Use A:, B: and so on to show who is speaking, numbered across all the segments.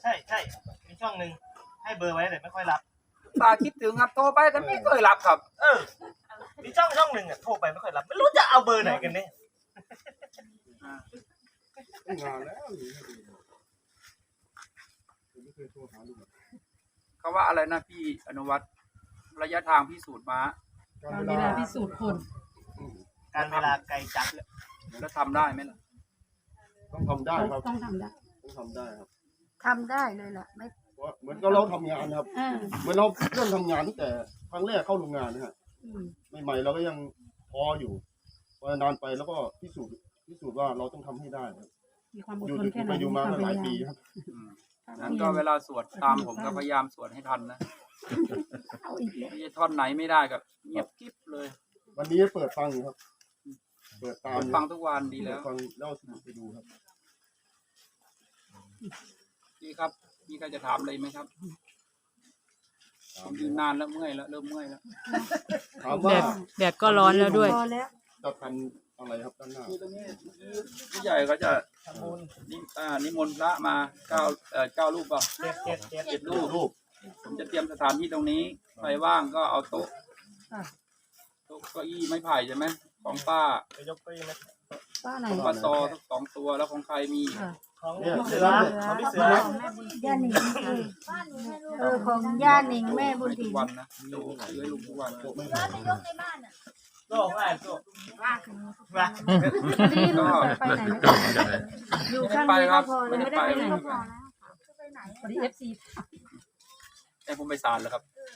A: ใช่มีช่องหนึ่งให้เบอร์ไว้แต่ไม่ค่อยรับ
B: ตาคิดถึงครับโทรไปแต่ไม่เคยรับครับ
A: มีช่องหนึ่งโทรไปไม่ค่อยรับไม่รู้จะเอาเบอร์ไหนกันเนี่ย
C: งานแล้วไม่เคยโทรหาลุง
B: เขาว่าอะไรนะพี่อนุวัฒน์ระยะทางพิสูจน์ม้า
D: การเวลาพิสูจน์คน
A: การเวลาไกลจัด
B: แล้วทำได้ไหมล่ะ
C: ต้องทำได้ครับ
D: ต้องทำได้
C: ต้องทำได้ครับ
E: ทำได้เลยล่ะไม่
C: เพราะเหมือนกับเราทำงานครับเหมือนเราเริ่มทำงานตั้งแต่ครั้งแรกเข้าโรงงานนะฮะใหม่ๆเราก็ยังท้ออยู่พอนานไปแล้วก็พิสูจน์ว่าเราต้องทำให้ได้ครับ
D: มีความอด
C: อยู่
D: ทนแค่ไหน
C: ไปอยู่มาก็หลายปี
D: ค
C: ครับ รับ
B: นั้นก็เวลาสวดตามผมก็พยายามสวดให้ทันนะ
D: เอาอีกแล้ว
B: ไม่ใช่ท่อนไหนไม่ได้กับเงียบกิ๊บเลย
C: วันนี้เปิดฟังอยู่ครับ เปิดตาม
B: ฟังทุกวันดีแล้ว
C: ฟังเล่าสนุกไปดูครับ
B: พี่ครับพี่ก็จะถามอะไรไหมครับผมยืนนานแล้วเมื่อยแล้วเริ่มเมื่อยแล้ว
C: ถามว่า
F: แดดก็ร้อนแล้วด้วย
E: พอแล้ว
C: จะทำอะไรครับด้านหน้า
B: ที่ตรงนี้ผู้ใหญ่เขาจะนิมนต์พระมาเก้ารูปเปล่า
A: เจ็ด
B: 7 รูป
C: รูป
B: ผมจะเตรียมสถานที่ตรงนี้ใครว่างก็เอาโต๊ะเก้าอี้ไม้ไผ่ใช่ไหมของป้า
A: ไปยกไปนะ
D: ป้าไหน
B: ของป้าซอทั้ง2 ตัวแล้วของใครมี
A: ของพี่เสือของพี่เสือ
E: ย่าหนิงของย่าหนิงแม่บุญ
B: ทุ
E: ถิ่
B: ก
E: น
B: วันนะดูซื้อให้ลุงทุกวัน
C: โต๊ะไม่
A: โซ่ง่ายโซ่มา
D: รีบไปไหนไม่อยู่ข้างนี้ก็พอเลยไม่ได้ไปไหนพอดีFC
B: ให้ผมไปศาลแล้วครับ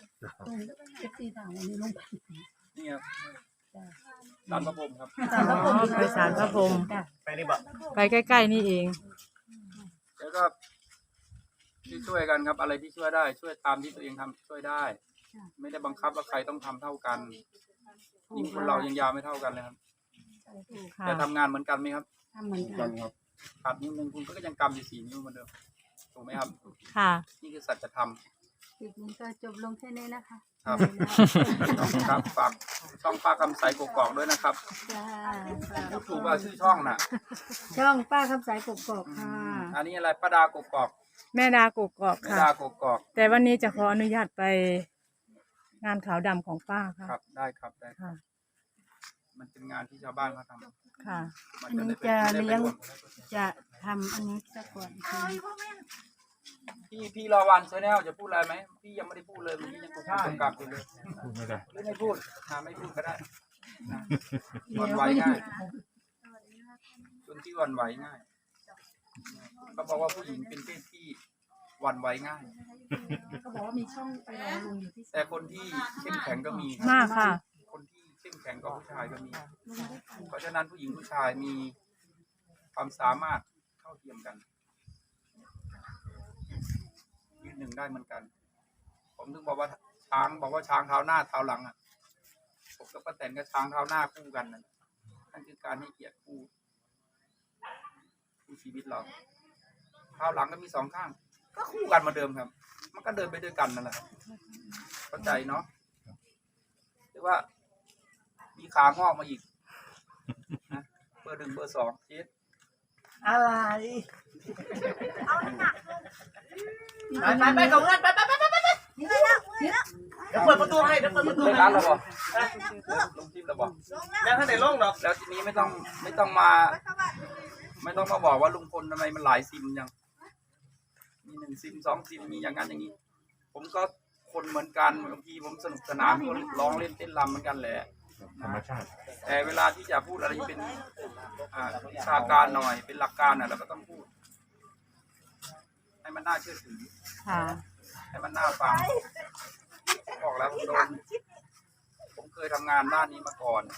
D: FC ถามวันนี้ลงไป
B: นี่ครับศาลพระพรหมครับ
F: ไปศาลพระพรหม
A: ไปนี่บอก
F: ไปใกล้ๆนี่เอง
B: แล้วก็ช่วยกันครับ อะไรที่ช่วยได้ ช่วยตามที่ตัวเองทำช่วยได้ ไม่ได้บังคับว่าใครต้องทำเท่ากันยิ่งคนเรายังยาวไม่เท่ากันเลยครับ
F: ค่ะ
B: แต่ทำงานเหมือนกันไหมครับ
D: ทำเหมือนกั
C: กัน นครับ
B: ขาดนิ้วนึงคุณก็ยังกำอยู่4 นิ้วเหมือนเดิมถูกไหมครับ
F: ค่ะ
B: นี่คือสัจธรรม
E: คลิปนี้ก็จบลงแค่นี้นะคะ
B: ครับครับฝากช่องป้าคำใสกกอกด้วยนะครับ
E: จ้า
B: พูดถูกว่าชื่อช่องน่ะ
E: ช่องป้าคำสายกบกค่ะ
B: อันนี้อะไรป้าดากกอก
F: แม่ดากกอก
B: แม่
F: ค่ะ
B: ดากกอก
F: แต่วันนี้จะขออนุญาตไปงานขาวดำของป้าค่ะ
B: ครับได้ครับได้ครับ
F: ค่ะ
B: มันเป็นงานที่ชาวบ้านเขาทำ
F: ค่ะ
B: มัน
E: อัน
B: จะ
E: นี้
B: ได้
E: จะ
B: ไป
E: เลี้ยงจะทำอันนี้ซะก่อนคือ
B: พี่รอวันชาแนลจะพูดอะไรไหมพี่ยังไม่ได้พูดเลยเมื่อกี้ยังพูดกำกับอยู่เลยไม่ได้ไม่พูดไม่พูดก็ได้หวั่นไหวง่ายคนที่หวั่นไหวง่ายเขาบอกว่าผู้หญิงเป็นเพศที่หวั่นไหวง่าย
D: เขาบอกว่ามีช่องไปรอลุงอยู่ที่
B: แต่คนที่เข้มแข็งก็มี
F: มากค่ะ
B: คนที่เข้มแข็งกว่าผู้ชายก็มี เพราะฉะนั้นผู้หญิงผู้ชายมีความสามารถเท่าเทียมกันยืนหนึ่งได้เหมือนกัน ผมถึงบอกว่าช้างเท้าหน้าเท้าหลังอ่ะผมกับป้าแตนก็ช้างเท้าหน้าคู่กันนั่นคือการให้เกียรติคู่ชีวิตเราเท้าหลังก็มี2 ข้าง ก็คู่กันมาเดิมครับ มันก็เดินไปด้วยกันนั่นแหละครับเข้าใจเนาะหรือว่ามีขางอกมาอีกนะเบอร์ 1 เบอร์ 2เจ็ด
A: อะไรไปกับเพื่อนไปเดี๋ยวเปิดประตูให้เดี๋ยวเปิดประตู
B: เลิก
A: ให้
B: ร้านเราบอกลงทิมเราบอก
A: แล้วถ้าไหนล่องหรอก
B: แล้วทีนี้ไม่ต้องมาบอกว่าลุงพลทำไมมันหลายซิมยังมี1 ซิม 2 ซิมมีอย่างนั้นอย่างนี้ ผมก็คนเหมือนกันบางทีผมสนุกสนานก็ร้องเล่นเต้นรำเหมือนกันแหละธรรมชาติแต่เวลาที่จะพูดอะไรเป็นวิชาการหน่อยเป็นหลักการเราก็ต้องพูด ให้มันน่าเชื่อถือ
F: ค่ะ
B: ให้มันน่าฟังบอกแล้วผมเคยทำงานด้านนี้มาก่อน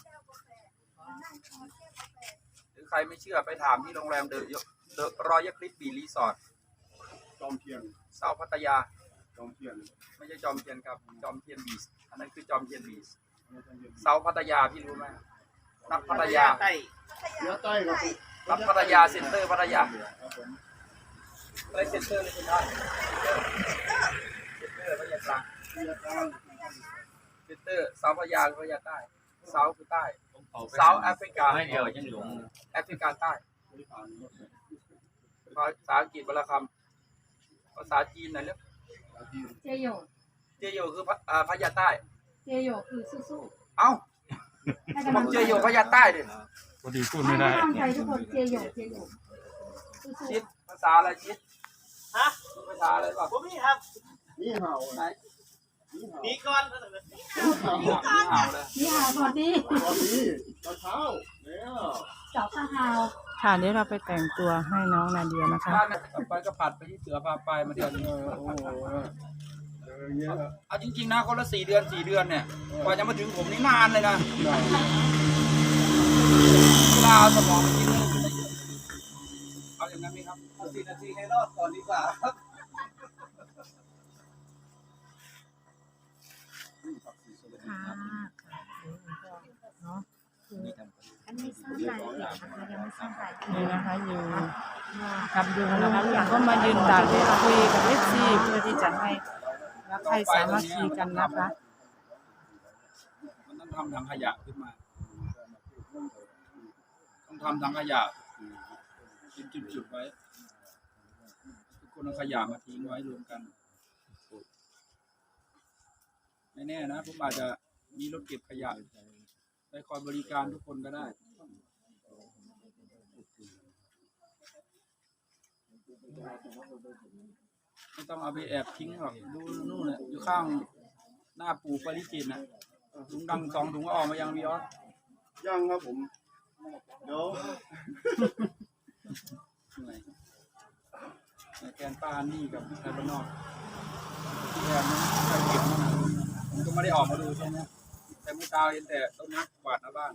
B: หรือใครไม่เชื่อไปถามที่โรงแรมเดอะรอยัลคลิปบีรีสอร์ท
C: จอมเทียน
B: เซาพัทยา
C: จอมเทียน
B: ไม่ใช่จอมเทียนครับจอมเทียนบีชอันนั้นคือจอมเทียนบีชเซาพัทยาพี่รู้ไหมนัดพัทยา
A: ใต้
C: เนื้อใต้ครับ
B: นัดพัทยาเซ็นเตอร์พัทยา
C: ครับผม
B: อะไรเซ็นเตอร์เลยคุณท่านเซ็นเตอร์พัทยากลาง
C: เนื้อใต้
B: เซ็นเตอร์เซาพัทยาพัทยาใต้เซาคือใต้เซาแอฟริกาไม่เดียวยังหลงแอฟริกาใต้ภาษาอังกฤษวรรณคำภาษาจีนหน่อยเร็ว
D: เจโย
B: เจโยคือพญาใต้
D: เจโยคือสู้
B: เอ้า
D: ๆให้
B: บ
D: กำลั
B: อก
D: ง
B: เจ
D: ใจ
B: โยพญาใต้ดิ
E: พอดีพูด
D: ให้
E: ไม่ได้
D: กำลังใจทุกคนเจโยสู้
B: ชิดภาษาอะไรชิดฮะภาษาอะไรบ้าง
A: ผมมีครับ
C: นี่เห่า
B: ไหน
A: มีก่อน
B: นี่ห่าวเลย
D: ๆนี่หาสวัสดี
C: ตอนนี้ตอนเช้าแล้ว
D: เจ้าข้าฮาว
F: ค่ะเดี๋ยวเราไปแต่งตัวให้น้องนาเดียนะคะ
B: บ้านเนี่ยต่อไปก็ผัดไปที่เสือพาไปมาเดือน
C: โอ้โหอย่างเงี้ยครับ
B: เอาจริงๆนะคนละ4 เดือนเนี่ยกว่าจะมาถึงผมนี่นานเลยนะเวลาเอาสมองไปกินเนี่ยเอาอย่างนั้นไหมครับ
A: 4 นาทีให้รอดก่อนดีกว่าครับ
E: อันนี้สร้างรายละเอียดนะคะยังไม่สร้างรายละเอียด
F: นี่นะคะอยู่กับยุงนะคะลุงก็มายืนดักคุยกับFCเพื่อที่จะให้รักใครสามัคคีกันนะคะ
B: มันต้องทำถังขยะขึ้นมา ต้องทำถังขยะเป็นจุดๆไว้ ทุกคนเอาขยะมาทิ้งไว้รวมกัน ไม่แน่นะผมอาจจะมีรถเก็บขยะไปคอยบริการทุกคนก็ได้ ไม่ต้องเอาไปแอบทิ้งหรอกดูนู่นน่ะอยู่ข้างหน้าปู่ปริจิตรนะถุงดำ2 ถุงก็ออกมายังวิออส
C: ยังครับผมเดี๋ยว
B: เหนื่อยแกนป้านี่กับไทยบ้านนอกที่แกนนั้นใครเก็บนั่นน่ะผมก็ไม่ได้ออกมาดูใช่ไหมแต่เมื่อเช้าเห็นแต่ต้นนี้กวาดหน้าบ้าน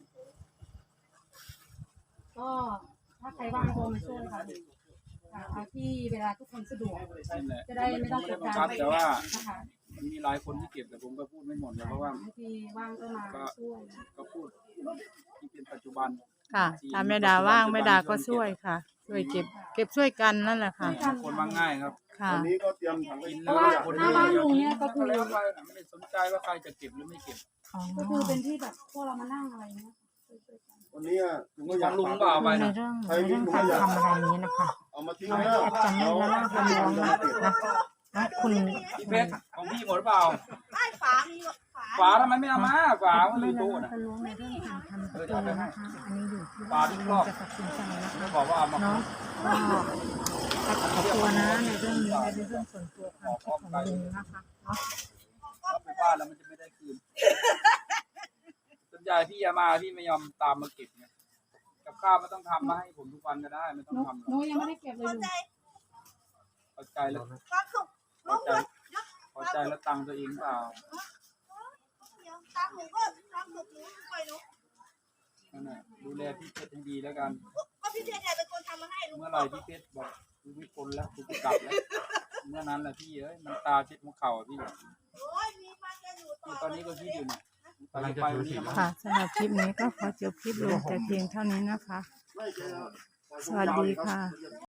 D: ก็ถ้าใครว่างโทรมาช่วยค่ะเอาที่เวลาทุกคนสะดวก
B: นั่นแหละ
D: จะได้ไม่ต้อง
B: ไม่
D: ก
B: ได้
D: ด
B: บัง
D: ดัน
B: คับแต่ว่า
D: นะคะ
B: มันมีหลายคนที่เก็บแต่ผมก็พูดไม่หมดเลยเพราะว่า
D: บางทีว่างก็มาช่วย
B: ก็พูดที่เป็นปัจจุบัน
F: ค่ะถ้าแม่ดาว่างแม่ดาก็ช่วยค่ะ ช่วยเก็บช่วยกันนั่นแหละค่ะ
B: คนมาง่ายครับ
F: ค่ะ
C: วันนี้ก็เตรียมถัง
B: กิน
D: เพ
B: แล้ว
D: ราะว่า
B: คน
D: หน้าบ้านลุงเนี่ยก็คือ
B: แล้วไปไม่ได้สนใจว่าใครจะเก็บหรือไม่เก็บ
D: ก็คือเป็นที่แบบพวกเรามานั่งอะไรเงี้ย
C: วันนี้ลุงก็อ
B: ข
C: ยา
B: อก งลุงเปล่าไป
E: ใน
B: นะ
E: เรื่องการทำอะไรนี้นะคะ
C: เอามาทิ้ง
E: น้อง
C: แล้ว
E: แอดจะไม่ละล่าละล้วงนะนะคุณ
B: พี่เพชรของพี่หมดหรือเปล่า
A: ไอ้ฝามีฝา
B: ฝาทำไมไม่เอามาฝามันอ
E: ไม่
B: ยู่
E: ละ
B: ตู้
E: ล่า
B: นะ
E: ละล้วงในเรื่องการทำประตูนะคะอันนี้อยู่ที่ว่าลุงจะตัดสินใจนะคะ
B: ไม่บอกว่าเอามา
E: เนาะก็ขอบตัวนะในเรื่องนี้ในเรื่องส่วนตัวความคิดของลุงนะคะเนาะ
B: เอาไปบ้านแล้วมันจะไม่ได้คืนส่วนใหญ่พี่ยามาพี่ไม่ยอมตามมาเก็บไงกับข้าวไม่ต้องทำมาให้ผมทุกวันก็ได้ไม่ต้องทำหรอก
D: หนูยังไม่ได้เก็บเลย
A: เข้า
D: ลุง
A: ใจ
B: พอใจแล้ว
A: ความสุข
B: พอใจพอใจแล้วตังค์ตัวเองเปล่า
A: เดี๋ยวตามหนูก็ความสุขหนูปล่อยหนู
B: นั่นแหละดูแลพี่เพชรให้ดีแล้วกัน
A: ก็พี่เพชรเนี่ยเป็นคนทำมาให้ลุง
B: เมื่อไหร่พี่เพชรบอกกูไม่ทนแล้วกูจะกลับแล้วเมื่อนั้นแหละพี่เอ้ยมันตาเช็ดหัวเข่าอะพี่
A: โอ้ยมีมาจะอยู่ต่อ
B: ตอนนี้ก็คิดอยู่เนี่ยไปไปวันนี้นะ
F: ค่ะสำหรับคลิปนี้ก็ขอจบคลิปลงแต่เพียงเท่านี้นะคะ
C: ไม่ใช่ครับ
F: สวัสดีค่ะ